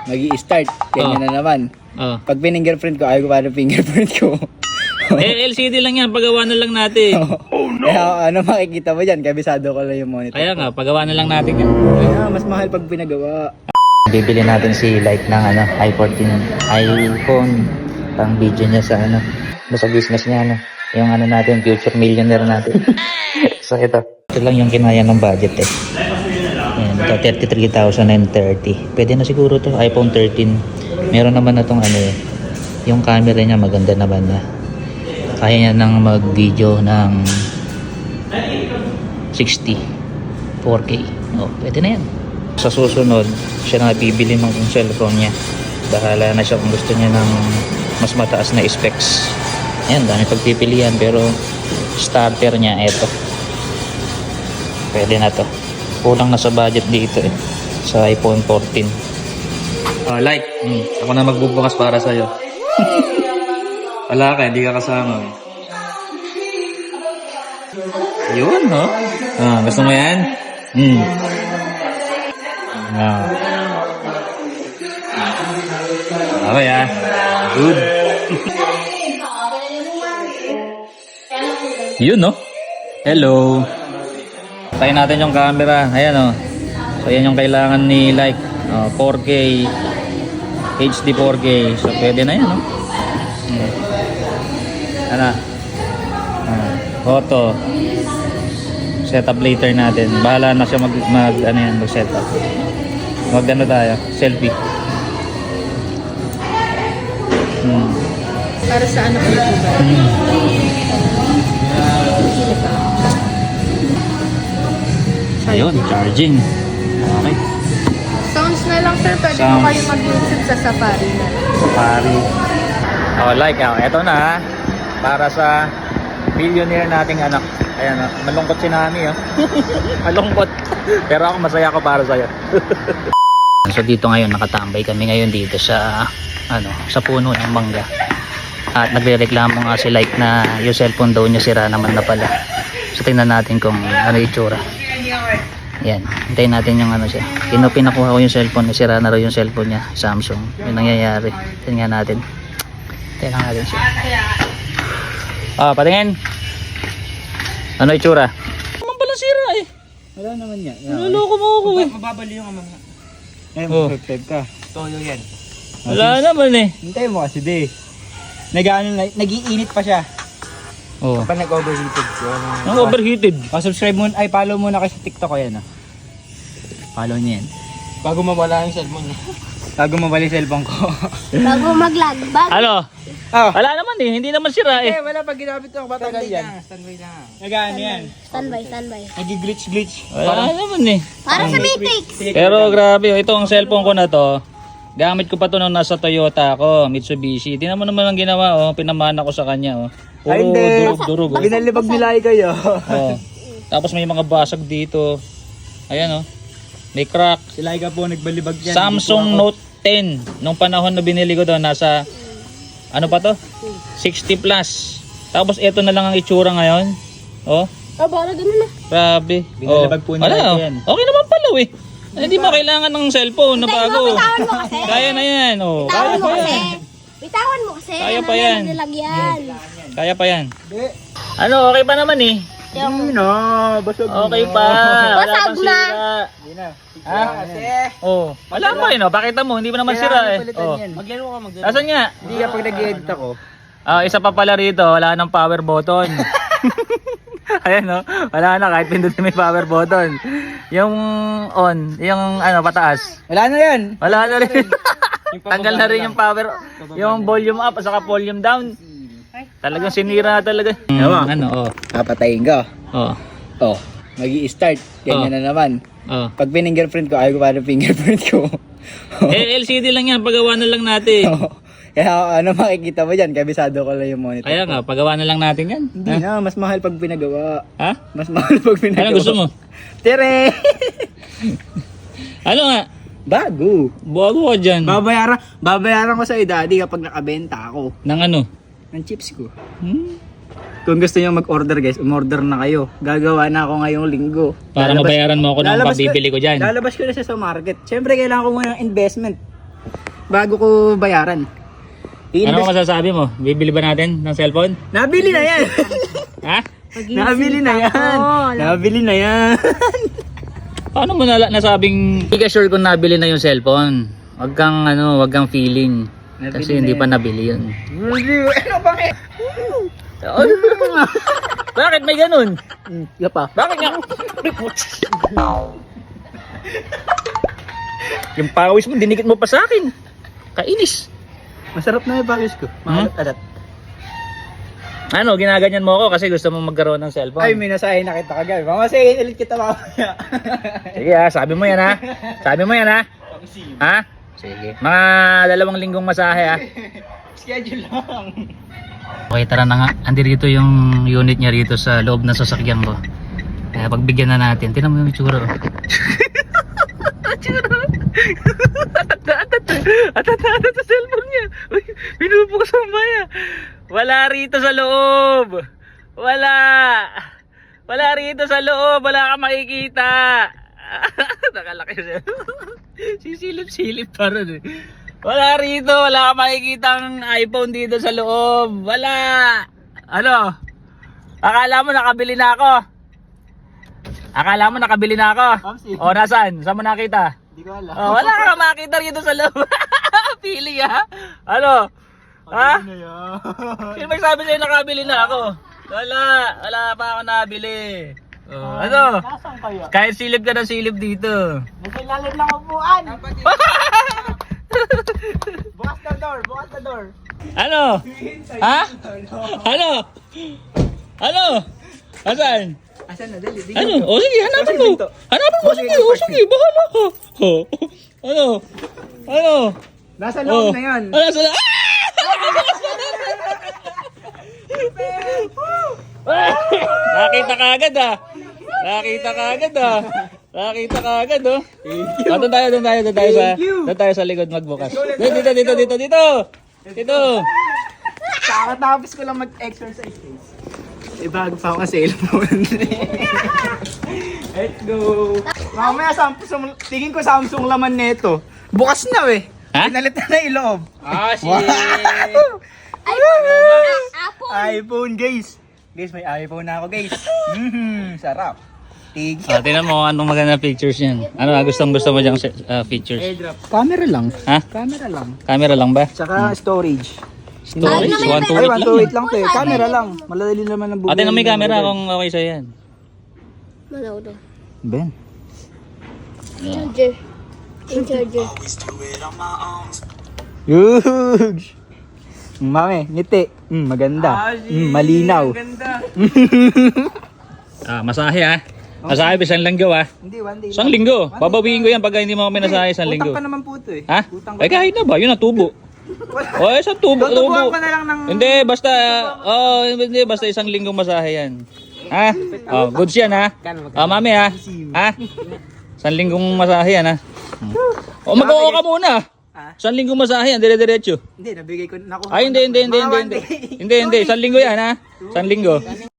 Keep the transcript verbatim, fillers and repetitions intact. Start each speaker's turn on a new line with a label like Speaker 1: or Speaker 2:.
Speaker 1: magi-start. Ganyan
Speaker 2: Oh.
Speaker 1: na naman.
Speaker 2: Oh.
Speaker 1: Pag fingerprint ko, ayaw ko pa ng fingerprint ko.
Speaker 2: Eh, L C D lang yan, pagawa na lang natin.
Speaker 1: Oh no! Kaya ano makikita mo dyan, kabisado ko lang yung monitor.
Speaker 2: Kaya nga, pagawa na lang natin yan.
Speaker 1: Kaya mas mahal pag pinagawa.
Speaker 3: Bibili natin si Light ng ano, i fourteen iPhone pang video niya sa ano, sa business niya ano, yung ano natin, future millionaire natin. So ito, ito lang yung kinaya ng budget eh. Ayan, ito thirty-three thousand thirty. Pwede na siguro to, iPhone thirteen. Meron naman na tong ano eh, yung camera niya maganda naman na. Kaya niya nang mag-video ng sixty, four K. Oh, pwede na yan. Sa susunod, siya na bibili ng cellphone niya. Bahala na siya kung gusto niya ng mas mataas na specs. Ayan, dami pagpipilian pero starter niya, eto. Pwede na to. Kulang na sa budget dito eh. Sa iPhone fourteen.
Speaker 2: Oh, like, hmm, ako na magbubukas para sa'yo. Wala ka, hindi ka kasama. Yun, no? Ah, gusto mo yan? Hmm. Ah. Okay, ah. Good. Yun, no? Hello. Tayo natin yung camera. Ayan, oh. So, yan yung kailangan ni like. Oh, four K. H D four K. So, pwede na yan, no? Hmm. Ano? Ah, photo. Setup later natin. Bahala na siya mag, mag ano yan, mag setup. Mag ano tayo? Selfie. Hmm.
Speaker 4: Para sa ano ko ba?
Speaker 2: Hmm. Ayun, charging. Okay.
Speaker 4: Sounds na lang sir, pwede
Speaker 2: Sounds.
Speaker 4: po kayo mag-YouTube sa Safari na lang.
Speaker 2: Safari. Oh, like, oh, eto na. Para sa billionaire nating anak. Ayan, oh, malungkot si Nami, oh. Malungkot. Pero ako masaya ako para sa'yo.
Speaker 3: So dito ngayon nakatambay kami ngayon dito sa ano, sa puno ng mangga. At nagrereklamo nga si Like na yung cellphone daw niya sira naman na pala. So tingnan natin kung ano yung itsura. Yan, hintayin natin yung ano siya. Kino pinakuha ko yung cellphone, sira na raw yung cellphone niya, Samsung. Yung nangyayari. Tingnan natin. Tingnan natin siya. Ah, patingin. Ano itsura?
Speaker 2: Naman pala sira eh.
Speaker 1: Wala naman yan.
Speaker 2: Naloko mo ako eh.
Speaker 1: Mababali yung amang. Eh,
Speaker 2: Oh.
Speaker 1: mag-subscribe ka.
Speaker 5: Toyo yan.
Speaker 2: Wala naman eh.
Speaker 1: Hintay mo kasi di. Nag-ano, nag-iinit pa siya.
Speaker 2: Oh.
Speaker 1: Kapag nag-overheated ko.
Speaker 2: Ang overheated.
Speaker 1: Oh, subscribe mo, ay follow muna kayo sa TikTok ko yan ah. Follow niya yan.
Speaker 5: Bago mawala yung cellphone.
Speaker 1: Bago mabali cellphone ko.
Speaker 4: Bago mag-lag, bago.
Speaker 2: Ano?
Speaker 1: Oh.
Speaker 2: Wala naman eh. Hindi naman sira eh.
Speaker 1: Eh, wala pag ginamit ko, matagal yan.
Speaker 5: Standby lang.
Speaker 1: Nag-ano yan.
Speaker 4: Standby, standby.
Speaker 1: Nag-glitch-glitch.
Speaker 2: Wala naman eh.
Speaker 4: Para sa Matrix.
Speaker 2: Pero grabe, oh, ito ang cellphone ko na to. Gamit ko pa to nung nasa Toyota ako, Mitsubishi. Tingnan mo naman ang ginawa, oh. Pinamana ko sa kanya, oh. Puro
Speaker 1: Ay, hindi.
Speaker 2: durug-durug. Oh.
Speaker 1: Binalibag nila kayo.
Speaker 2: Oh. Tapos may mga basag dito. Ayan, oh. May crack.
Speaker 1: Sila ka po nagbalibag yan.
Speaker 2: Samsung Note ten. Nung panahon na binili ko doon, nasa, ano pa to? sixty plus. Tapos ito na lang ang itsura ngayon. Oh,
Speaker 4: Oh, bala ganun na.
Speaker 2: grabe.
Speaker 1: Binalibag po nila
Speaker 2: wala, oh.
Speaker 1: yan.
Speaker 2: Okay naman pala, eh. Hindi mo kailangan ng cellphone na
Speaker 4: Bitawan
Speaker 2: bago.
Speaker 4: mo, bitawan mo kasi.
Speaker 2: Kaya na yan, oh. Kaya
Speaker 4: Bitawan mo
Speaker 2: pa
Speaker 4: kasi.
Speaker 2: yan.
Speaker 4: Bitawan mo kasi.
Speaker 2: Kaya
Speaker 4: Ano
Speaker 2: pa yan.
Speaker 4: nilagyan.
Speaker 2: Kaya pa yan.
Speaker 1: Hindi.
Speaker 2: Ano, okay pa naman eh.
Speaker 1: Hindi na. Basag
Speaker 2: Okay pa. Wala
Speaker 4: Basag
Speaker 2: pang
Speaker 4: na.
Speaker 2: sira.
Speaker 1: Hindi na.
Speaker 2: Ha?
Speaker 1: Kasi.
Speaker 2: Oh, wala pa rin, oh. Pakita mo, hindi pa naman sira eh. Oh.
Speaker 5: Maglaro ka, maglaro.
Speaker 2: Asan nga?
Speaker 1: Hindi ka pag nag-edit ako.
Speaker 2: Ah, isa pa pala rito, wala nang power button. Ayan, no? Wala na, kahit pindutin may power button. Yung on, yung ano, pataas.
Speaker 1: Wala na yan.
Speaker 2: Wala na rin. Tanggal na rin yung power, yung volume up at saka volume down. Talagang sinira na talaga.
Speaker 1: Ewan.
Speaker 2: Ano, oh.
Speaker 1: Papatayin ko.
Speaker 2: Oh.
Speaker 1: Oh, magi-start. Ganyan
Speaker 2: Oh.
Speaker 1: na naman.
Speaker 2: Oh.
Speaker 1: Pag fingerprint ko, ayaw ko pa ng fingerprint ko.
Speaker 2: Eh, L C D lang yan, pagawa na lang natin.
Speaker 1: Kaya ano makikita mo dyan, kabisado ko lang yung monitor.
Speaker 2: Kaya nga, pagawa na lang natin yan.
Speaker 1: Hindi na, mas mahal pag pinagawa.
Speaker 2: Ha?
Speaker 1: Mas mahal pag pinagawa.
Speaker 2: Ano gusto mo?
Speaker 1: Tere!
Speaker 2: Ano nga?
Speaker 1: Bago.
Speaker 2: Bago ka dyan.
Speaker 1: Babayaran, babayaran ko sa daddy kapag nakabenta ako
Speaker 2: Nang ano?
Speaker 1: ng chips ko.
Speaker 2: Hmm?
Speaker 1: Kung gusto niyo mag-order guys, umorder na kayo. Gagawa na ako ngayong linggo.
Speaker 2: Para
Speaker 1: Lalabas-
Speaker 2: mabayaran mo ako ng
Speaker 1: lalabas
Speaker 2: pambibili ko dyan.
Speaker 1: Lalabas ko na siya sa market. Siyempre kailangan ko muna ng investment. bago ko bayaran.
Speaker 2: Ano
Speaker 1: I-invest.
Speaker 2: masasabi mo? Bibili ba natin ng cellphone?
Speaker 1: Nabili na yan.
Speaker 2: Ha?
Speaker 1: Nabili na yan. Nabili na yan.
Speaker 2: Paano mo nala nasabing...
Speaker 3: Hindi ka sure kung nabili na yung cellphone. Wag kang ano, wag kang feeling.
Speaker 1: Nabili
Speaker 3: Kasi
Speaker 1: na
Speaker 3: hindi
Speaker 1: yan.
Speaker 3: pa nabili yun.
Speaker 1: Ano bakit?
Speaker 2: Bakit may ganun?
Speaker 1: Iya pa.
Speaker 2: Bakit nga? Yung pawis mo, dinikit mo pa sa akin. Kainis.
Speaker 1: Masarap na yung package ko. Mga alat.
Speaker 2: Ano, ginaganyan mo ako kasi gusto mo magkaroon ng cellphone.
Speaker 1: Ay, may nasahin na kita kagabi. Mamasahin ulit kita mamaya.
Speaker 2: Sige ha, sabi mo yan ha. Sabi mo yan ha. Ha? Sige. Mga dalawang linggong masahe ha.
Speaker 1: Schedule lang.
Speaker 3: Okay, tara na nga. Andi rito yung unit niya rito sa loob ng sasakyan ko. Kaya pagbigyan na natin. Tingnan mo yung itsura. Oh.
Speaker 2: Atata sa cellphone niya. Uy, pinupo ko sa maya. Wala rito sa loob. Wala. Wala rito sa loob. Wala kang makikita. Nakalaki siya. Sisilip-silip pa rin eh. Wala rito. Wala kang makikita ang iPhone dito sa loob. Wala. Ano? Akala mo nakabili na ako? Akala mo nakabili na ako?
Speaker 1: Mamsi.
Speaker 2: O, nasaan? Saan mo nakita?
Speaker 1: Hindi ko alam.
Speaker 2: Oh, wala kang makita rito sa loob. Pili ha? Ano? Ha?
Speaker 1: Ano yan?
Speaker 2: Sino magsabi sa'yo nakabili na ako? Wala. Wala pa ako nabili. Oh, ano?
Speaker 1: Nasaan kaya?
Speaker 2: Kahit silip ka ng silip dito.
Speaker 1: Nasa ilalim lang upuan. Bukas na door, bukas na door.
Speaker 2: Ano? Ha? Ano? Ano? Asan?
Speaker 1: Asan na? Dali, dito.
Speaker 2: Ano? O sige, hanapin mo.
Speaker 1: Pinto.
Speaker 2: Hanapin mo.
Speaker 1: O,
Speaker 2: Sige,
Speaker 1: sige,
Speaker 2: o sige. Bahala ka. O. Ano? Ano?
Speaker 1: Nasa loob
Speaker 2: Oh.
Speaker 1: na yan.
Speaker 2: Ano sa... Ah! Nakita ka agad ah. Nakita ka agad ah. Nakita ka agad oh. Ah, doon tayo, doon tayo, doon tayo sa, doon tayo sa likod magbukas. Dito, dito, dito, dito, dito. Dito.
Speaker 1: Kakatapos ko lang mag-exercise guys. Eh bago pa ako sa cellphone. Let's go. Mamaya Samsung, tingin ko Samsung laman nito. Bukas na eh.
Speaker 2: Ha?
Speaker 1: Pinalit na na yung loob.
Speaker 2: Ah, shit.
Speaker 4: iPhone. Ah, Apple.
Speaker 1: iPhone guys. Guys, may iPhone na ako guys. Mhm, sarap. Tig.
Speaker 2: Ah, tingnan mo anong maganda pictures yan. Ano, gustong gusto mo diyang uh, features?
Speaker 1: Airdrop. Camera lang.
Speaker 2: Ha?
Speaker 1: Camera lang.
Speaker 2: Camera lang ba?
Speaker 1: Tsaka storage.
Speaker 2: Storage? one to
Speaker 1: Ay,
Speaker 2: eight
Speaker 1: one
Speaker 2: lang
Speaker 1: to
Speaker 2: yan.
Speaker 1: eight lang to eh. Camera lang. Maladali naman ang
Speaker 2: Ate, na may camera kung okay sa'yo yan.
Speaker 4: Malaw daw.
Speaker 1: Ben.
Speaker 4: Charger. Yung charger.
Speaker 1: Yuge! Mami, ngiti. Mm, maganda. Mm, malinaw.
Speaker 2: Ah, masahe ah. Masahe, isang linggo ah.
Speaker 1: Hindi, one day.
Speaker 2: Isang linggo. Babawiin ko yan pag hindi mo kami nasahe isang linggo.
Speaker 1: Utang pa naman po ito eh.
Speaker 2: Ha?
Speaker 1: Utang
Speaker 2: Ay, kahit na ba? Yun ang tubo. O, oh, isang tubo.
Speaker 1: Tutubuan
Speaker 2: tubo.
Speaker 1: ko na lang ng...
Speaker 2: Hindi, basta, oh, hindi, basta isang linggong masahe yan. Ha? Oh, goods yan ha. Ah, mami ha. Ha? Isang linggong masahe yan ha. O, mag-oo ka muna.
Speaker 1: Ha?
Speaker 2: Isang linggong masahe yan, dire-diretso.
Speaker 1: Hindi, nabigay ko. Nakuha
Speaker 2: Ay, hindi, hindi, hindi,
Speaker 1: Mga
Speaker 2: hindi.
Speaker 1: one
Speaker 2: Hindi,
Speaker 1: day.
Speaker 2: hindi, hindi. Isang linggo yan ha. Isang linggo.